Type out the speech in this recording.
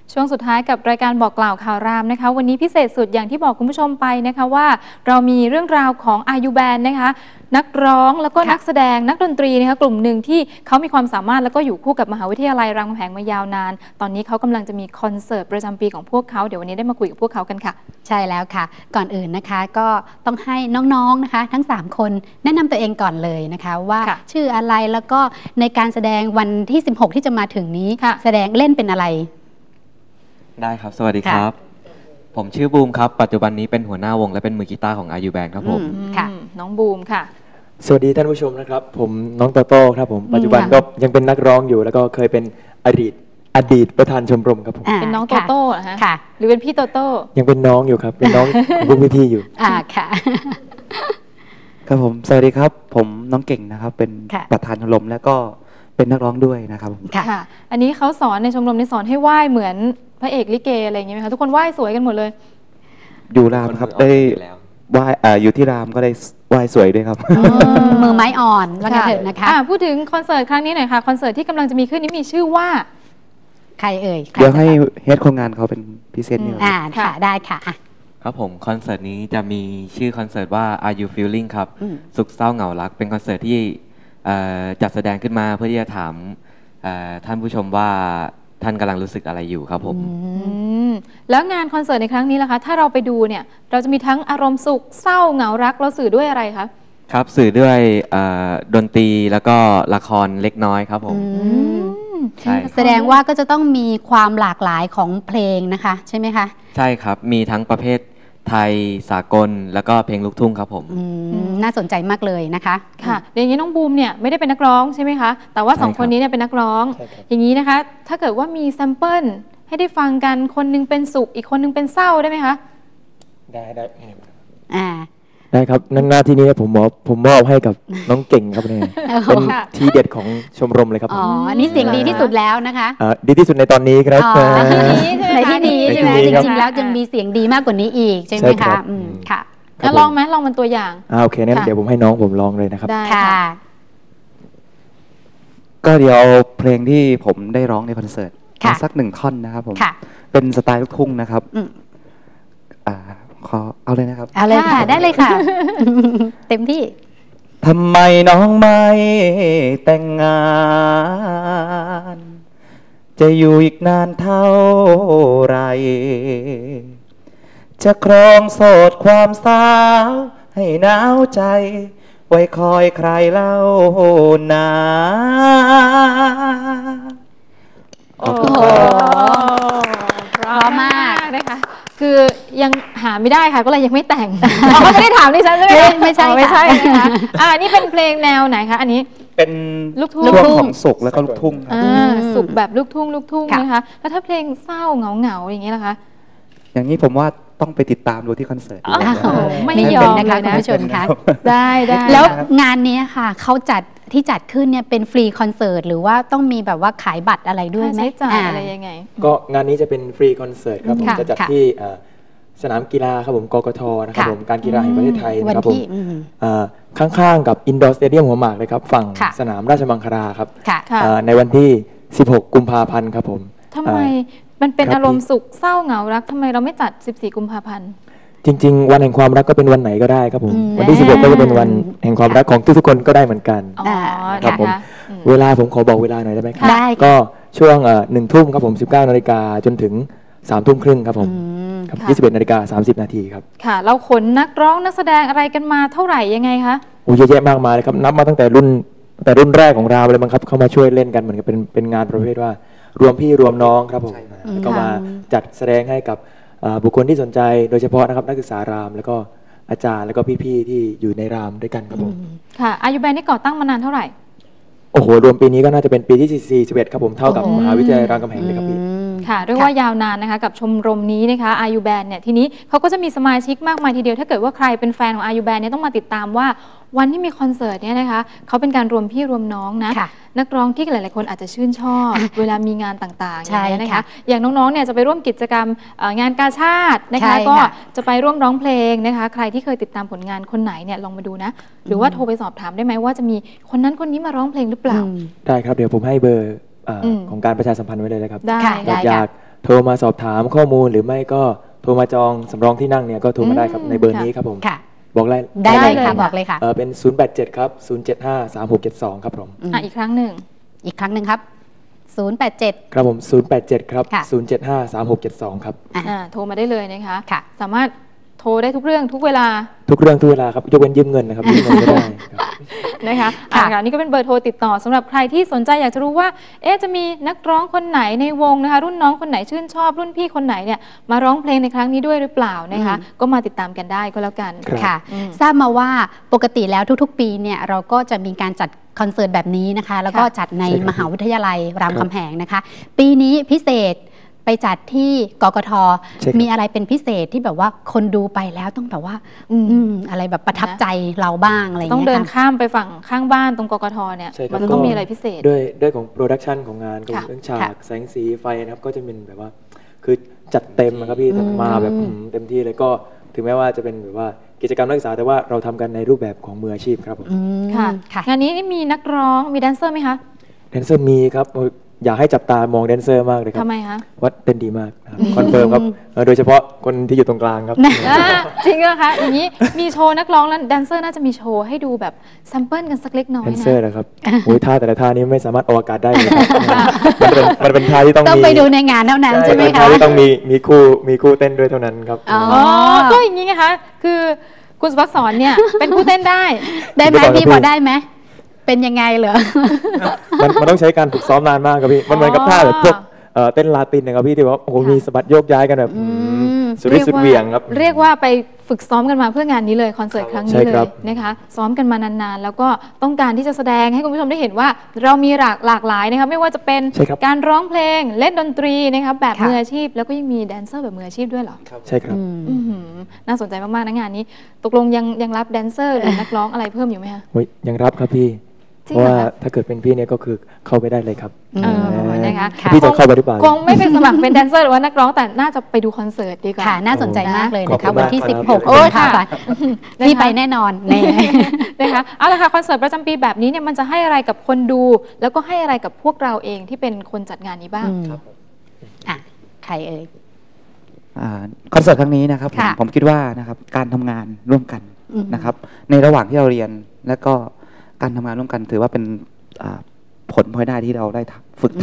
ช่วงสุดท้ายกับรายการบอกกล่าวข่าวรามนะคะวันนี้พิเศษสุดอย่างที่บอกคุณผู้ชมไปนะคะว่าเรามีเรื่องราวของอายุแบนนะคะนักร้องแล้วก็นักแสดงนักดนตรีนะคะกลุ่มหนึ่งที่เขามีความสามารถแล้วก็อยู่คู่กับมหาวิทยาลัยรามคำแหงมายาวนานตอนนี้เขากำลังจะมีคอนเสิร์ตประจำปีของพวกเขาเดี๋ยววันนี้ได้มาคุยกับพวกเขากันค่ะใช่แล้วค่ะก่อนอื่นนะคะก็ต้องให้น้องๆนะคะทั้ง3คนแนะนำตัวเองก่อนเลยนะคะว่าชื่ออะไรแล้วก็ในการแสดงวันที่16ที่จะมาถึงนี้แสดงเล่นเป็นอะไรได้ครับสวัสดีครับผมชื่อบูมครับปัจจุบันนี้เป็นหัวหน้าวงและเป็นมือกีตาร์ของอายุแบนด์ครับผมค่ะน้องบูมค่ะสวัสดีท่านผู้ชมนะครับผมน้องโตโต้ครับผมปัจจุบันก็ยังเป็นนักร้องอยู่แล้วก็เคยเป็นอดีตประธานชมรมครับผมเป็นน้องโตโต้เหรอฮะหรือเป็นพี่โตโต้ยังเป็นน้องอยู่ครับเป็นน้องของพวกพี่ๆอยู่ค่ะครับผมสวัสดีครับผมน้องเก่งนะครับเป็นประธานชมรมแล้วก็เป็นนักร้องด้วยนะครับค่ะอันนี้เขาสอนในชมรมในสอนให้ไหว้เหมือนพระเอกลิเกอะไรอย่างเงี้ยไหมคะทุกคนไหว้สวยกันหมดเลยอยู่รามครับได้ไหว้อยู่ที่รามก็ได้ไหว้สวยด้วยครับมือไม้อ่อนว่ากันเถอะนะคะพูดถึงคอนเสิร์ตครั้งนี้หน่อยค่ะคอนเสิร์ตที่กำลังจะมีขึ้นนี้มีชื่อว่าใครเอ่ยเดี๋ยวให้เฮดโครงงานเขาเป็นพิเศษนี่ค่ะได้ค่ะครับผมคอนเสิร์ตนี้จะมีชื่อคอนเสิร์ตว่า Are You Feeling ครับสุขเศร้าเหงารักเป็นคอนเสิร์ตที่จัดแสดงขึ้นมาเพื่อที่จะถามท่านผู้ชมว่าท่านกำลังรู้สึกอะไรอยู่ครับผมแล้วงานคอนเสิร์ตในครั้งนี้ล่ะคะถ้าเราไปดูเนี่ยเราจะมีทั้งอารมณ์สุขเศร้าเหงารักเราสื่อด้วยอะไรคะครับสื่อด้วยดนตรีแล้วก็ละครเล็กน้อยครับผมแสดงว่าก็จะต้องมีความหลากหลายของเพลงนะคะใช่ไหมคะใช่ครับมีทั้งประเภทไทยสากลแล้วก็เพลงลูกทุ่งครับผมน่าสนใจมากเลยนะคะค่ะอย่างนี้น้องบูมเนี่ยไม่ได้เป็นนักร้องใช่ไหมคะแต่ว่า2คนนี้เนี่ยเป็นนักร้องอย่างนี้นะคะถ้าเกิดว่ามีแซมเปิลให้ได้ฟังกันคนนึงเป็นสุขอีกคนนึงเป็นเศร้าได้ไหมคะได้ได้ครับหน้าที่นี้ผมมอบให้กับน้องเก่งครับเนี่ยเป็นทีเด็ดของชมรมเลยครับอ๋อนี่เสียงดีที่สุดแล้วนะคะดีที่สุดในตอนนี้ครับในที่นี้ใช่ไหมจริงๆแล้วยังมีเสียงดีมากกว่านี้อีกใช่ไหมคะค่ะแล้วลองไหมลองมันตัวอย่างโอเคงั้นเดี๋ยวผมให้น้องผมลองเลยนะครับได้ค่ะก็เดี๋ยวเพลงที่ผมได้ร้องในคอนเสิร์ตสัก1ท่อนนะครับผมเป็นสไตล์ลูกทุ่งนะครับขอเอาเลยนะครับเอาเลยค่ะได้เลยค่ะเต็มที่ทำไมน้องไม่แต่งงานจะอยู่อีกนานเท่าไรจะครองโสดความสาวให้หนาวใจไว้คอยใครเล่านาโอ้โหพร้อมมากนะคะคือยังหาไม่ได้ค่ะก็เลยยังไม่แต่งเขาไม่ได้ถามดิฉันใช่ไหมไม่ใช่นะคะนี่เป็นเพลงแนวไหนคะอันนี้เป็นลูกทุ่งของสุขแล้วก็ลูกทุ่งสุขแบบลูกทุ่งนะคะแล้วถ้าเพลงเศร้าเหงาอย่างนี้ล่ะคะอย่างนี้ผมว่าต้องไปติดตามดูที่คอนเสิร์ตไม่ยอมนะคะคุณผู้ชมคะได้แล้วงานนี้ค่ะเขาจัดขึ้นเนี่ยเป็นฟรีคอนเสิร์ตหรือว่าต้องมีแบบว่าขายบัตรอะไรด้วยไหมใช้จ่ายอะไรยังไงก็งานนี้จะเป็นฟรีคอนเสิร์ตครับผมจะจัดที่สนามกีฬาครับผมกกทนะครับผมการกีฬาแห่งประเทศไทยนะครับผมข้างๆกับอินดอร์สเตเดียมหัวหมากเลยครับฝั่งสนามราชมังคลาครับในวันที่16กุมภาพันธ์ครับผมทำไมมันเป็นอารมณ์สุขเศร้าเหงารักทำไมเราไม่จัด14กุมภาพันธ์จริงๆวันแห่งความรักก็เป็นวันไหนก็ได้ครับผมวันที่16ก็จะเป็นวันแห่งความรักของทุกๆคนก็ได้เหมือนกันครับผมเวลาผมขอบอกเวลาหน่อยได้ไหมครับก็ช่วง1 ทุ่มครับผม19 นาฬิกาจนถึง3 ทุ่มครึ่งครับผม21 นาฬิกา30 นาทีครับค่ะเราขนนักร้องนักแสดงอะไรกันมาเท่าไหร่ยังไงคะเยอะแยะมากมายเลยครับนับมาตั้งแต่รุ่นแรกของเราเลยมั้งครับเข้ามาช่วยเล่นกันเหมือนกับเป็นงานประเภทว่ารวมพี่รวมน้องครับผมก็มาจัดแสดงให้กับบุคคลที่สนใจโดยเฉพาะนะครับนักศึกษารามแล้วก็อาจารย์แล้วก็พี่ๆที่อยู่ในรามด้วยกันครับผมค่ะอายุแบนนี่ก่อตั้งมานานเท่าไหร่โอ้โหรวมปีนี้ก็น่าจะเป็นปีที่41ครับผมเท่ากับมหาวิทยาลัยรามคำแหงเลยครับพี่ค่ะเรียกว่ายาวนานนะคะกับชมรมนี้นะคะอายุแบนเนี่ยทีนี้เขาก็จะมีสมาชิกมากมายทีเดียวถ้าเกิดว่าใครเป็นแฟนของอายุแบนเนี่ยต้องมาติดตามว่าวันที่มีคอนเสิร์ตเนี่ยนะคะเขาเป็นการรวมพี่รวมน้องนะนักร้องที่หลายๆคนอาจจะชื่นชอบเวลามีงานต่างๆอย่างนี้นะคะอย่างน้องๆเนี่ยจะไปร่วมกิจกรรมงานกาชาดนะคะก็จะไปร่วมร้องเพลงนะคะใครที่เคยติดตามผลงานคนไหนเนี่ยลองมาดูนะหรือว่าโทรไปสอบถามได้ไหมว่าจะมีคนนั้นคนนี้มาร้องเพลงหรือเปล่าได้ครับเดี๋ยวผมให้เบอร์ของการประชาสัมพันธ์ไว้เลยนะครับได้อยากโทรมาสอบถามข้อมูลหรือไม่ก็โทรมาจองสำรองที่นั่งเนี่ยก็โทรมาได้ครับในเบอร์นี้ครับผมบอกได้เลยค่ะบอกเลยค่ะเป็น 087 ครับ 075 3672 ครับผมอีกครั้งหนึ่งครับ087 ครับผม087ครับ075 3672ครับโทรมาได้เลยนะคะสามารถโทรได้ทุกเรื่องทุกเวลาครับยกเว้นยืมเงินนะครับยืมเงินไม่ได้นะคะนี่ก็เป็นเบอร์โทรติดต่อสำหรับใครที่สนใจอยากจะรู้ว่าจะมีนักร้องคนไหนในวงนะคะรุ่นน้องคนไหนชื่นชอบรุ่นพี่คนไหนเนี่ยมาร้องเพลงในครั้งนี้ด้วยหรือเปล่านะคะก็มาติดตามกันได้ก็แล้วกันค่ะทราบมาว่าปกติแล้วทุกๆปีเนี่ยเราก็จะมีการจัดคอนเสิร์ตแบบนี้นะคะแล้วก็จัดในมหาวิทยาลัยรามคำแหงนะคะปีนี้พิเศษไปจัดที่กกท.มีอะไรเป็นพิเศษที่แบบว่าคนดูไปแล้วต้องแบบว่าอะไรแบบประทับใจเราบ้างอะไรอย่างเงี้ยต้องเดินข้ามไปฝั่งข้างบ้านตรงกกท.เนี่ยมันต้องมีอะไรพิเศษด้วยของโปรดักชันของงานเรื่องฉากแสงสีไฟนะครับก็จะเป็นแบบว่าคือจัดเต็มนะครับพี่มาแบบเต็มที่เลยก็ถึงแม้ว่าจะเป็นแบบว่ากิจกรรมนักศึกษาแต่ว่าเราทำกันในรูปแบบของมืออาชีพครับผมค่ะงานนี้มีนักร้องมีแดนเซอร์ไหมคะแดนเซอร์มีครับอยากให้จับตามองแดนเซอร์มากเลยครับทำไมคะว่าเต้นดีมากคอนเฟิร์มครับโดยเฉพาะคนที่อยู่ตรงกลางครับจริงเหรอคะอย่างนี้มีโชว์นักร้องแล้วแดนเซอร์น่าจะมีโชว์ให้ดูแบบแซมเปิลกันสักเล็กน้อยนะแดนเซอร์นะครับโอ้ยท่าแต่ละท่านี้ไม่สามารถออกอากาศได้เลยมันเป็นท่าที่ต้องไปดูในงานเท่านั้นใช่ไหมคะที่ต้องมีคู่เต้นด้วยเท่านั้นครับก็อย่างนี้ไงคะคือคุณสุภักษรเนี่ยเป็นคู่เต้นได้ไหมพี่พอได้ไหมเป็นยังไงเหรอมันต้องใช้การฝึกซ้อมนานมากครับพี่มันเหมือนกับท่าแบบพวกเต้นลาตินนะครับพี่ที่ว่าโอ้โหมีสะบัดโยกย้ายกันแบบสุดฤทธิ์สุดเหวี่ยงครับเรียกว่าไปฝึกซ้อมกันมาเพื่องานนี้เลยคอนเสิร์ตครั้งนี้เลยนะคะซ้อมกันมานานๆแล้วก็ต้องการที่จะแสดงให้คุณผู้ชมได้เห็นว่าเรามีหลากหลายนะคะไม่ว่าจะเป็นการร้องเพลงเล่นดนตรีนะคะแบบมืออาชีพแล้วก็ยังมีแดนเซอร์แบบมืออาชีพด้วยเหรอใช่ครับน่าสนใจมากๆนะงานนี้ตกลงยังรับแดนเซอร์หรือนักร้องอะไรเพิ่มอยู่ไหมคะยังรับครับพี่เพราะว่าถ้าเกิดเป็นพี่เนี่ยก็คือเข้าไปได้เลยครับนะคะพี่จะเข้าไปหรือเปล่าคงไม่เป็นสมัครเป็นแดนเซอร์หรือว่านักร้องแต่น่าจะไปดูคอนเสิร์ตดีกว่าค่ะน่าสนใจมากเลยนะคะวันที่16โอ้ค่ะพี่ไปแน่นอนนะคะเอาละค่ะคอนเสิร์ตประจำปีแบบนี้เนี่ยมันจะให้อะไรกับคนดูแล้วก็ให้อะไรกับพวกเราเองที่เป็นคนจัดงานนี้บ้างใครเอ่ยคอนเสิร์ตครั้งนี้นะครับผมคิดว่านะครับการทำงานร่วมกันนะครับในระหว่างที่เราเรียนและก็การทำงานร่วมกันถือว่าเป็นผลพลอยได้ที่เราได้ฝึก